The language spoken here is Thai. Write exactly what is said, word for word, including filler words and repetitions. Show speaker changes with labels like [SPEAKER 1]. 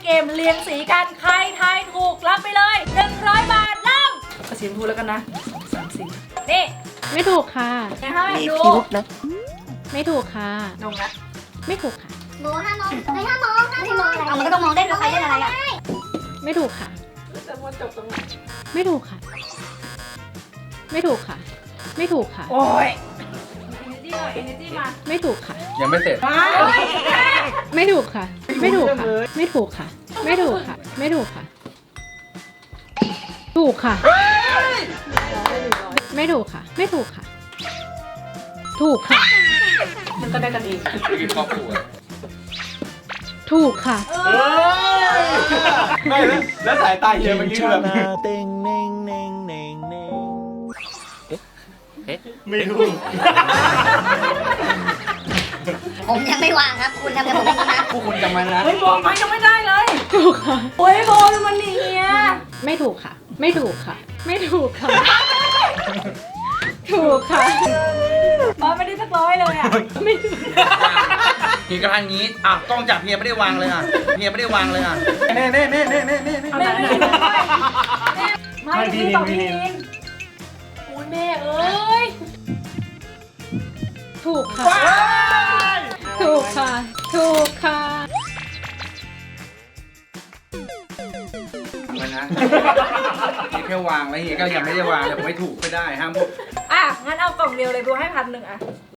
[SPEAKER 1] เกมเรียงสีกันใครทายถูกรับไปเลยหนึ่งร้อยบาทเริ่มเอาสีชมพูแล้วกันนะสามสีนี่
[SPEAKER 2] ไม่ถูกค่ะ
[SPEAKER 1] ให้
[SPEAKER 3] มี
[SPEAKER 1] ดู
[SPEAKER 3] พิรุษนะ
[SPEAKER 2] ไม่ถูกค่ะ
[SPEAKER 1] นงละ
[SPEAKER 2] ไม่ถูกค่ะ
[SPEAKER 4] หนูห้ามมองเฮ้ยห้ามมองห้ามมองเอามันก็ต้องมองได้ด้วยใครเล่นอะไรอ่ะ
[SPEAKER 2] ไม่ถูกค่ะ
[SPEAKER 1] จะมาจบตรงไหน
[SPEAKER 2] ไม่ถูกค่ะ ไม่ถูกค่ะ ไม่ถูกค่ะ
[SPEAKER 1] โอ้ย energy หน่อย energy มา
[SPEAKER 2] ไม่ถูกค่ะ
[SPEAKER 5] ยังไม่เสร็จ
[SPEAKER 2] ไม่ถูกค่ะ ไม่ถูกค่ะ ไม่ถูกค่ะ ไม่ถูกค่ะ ไม่ถูกค่ะ ถูกค่ะ ไม่ถูกค่ะ ไม่ถูกค่ะ ถูกค่ะ
[SPEAKER 1] มันก็ได้กันเอง
[SPEAKER 5] ไปกินครอบครัว
[SPEAKER 2] ถูกค่ะ
[SPEAKER 5] ไม่แล้วแล้วสายตาเฮียเมื่อกี้แบบ
[SPEAKER 3] เต็งเน่งเน่งเน่งเน่งเอ๊ะ
[SPEAKER 5] ไม่รู้
[SPEAKER 4] ผมยังไม่วางครับ คุณทำกับผมอย่างนี้นะ
[SPEAKER 5] พวกคุณจำไว้นะ
[SPEAKER 1] เฮ้ยบอกมายังไม่ได้เลย
[SPEAKER 2] ถูกค่ะ
[SPEAKER 1] โอ้ยโบยมันนี่ย
[SPEAKER 2] ไม่ถูกค่ะ ไม่ถูกค่ะ ไม่ถูกค่ะ ถูกค่ะ
[SPEAKER 1] บอสไม่ได้สักร้อยเลยอ่ะ
[SPEAKER 2] ไม่ถูก
[SPEAKER 5] เฮียกระทังงี้อ่ะกล้องจับเฮียไม่ได้วางเลยอ่ะเฮียไม่ได้วางเลยอ่ะเน่เน่เน่เน่เน่เน่
[SPEAKER 1] แม่ไม่ได้ไม่พี่นินพี่นินอุ้ยแม่เอ้ย
[SPEAKER 2] ถูกค่ะ ถูกค่ะ ถูกค่ะ
[SPEAKER 5] ไว้นะเฮียแค่วางแล้วเฮียก็ยังไม่ได้วางเลยผมไม่ถูกไม่ได้ห้ามพวก
[SPEAKER 1] อ่ะงั้นเอากล่องเดียวเลยดูให้พันหนึ่งอ่ะ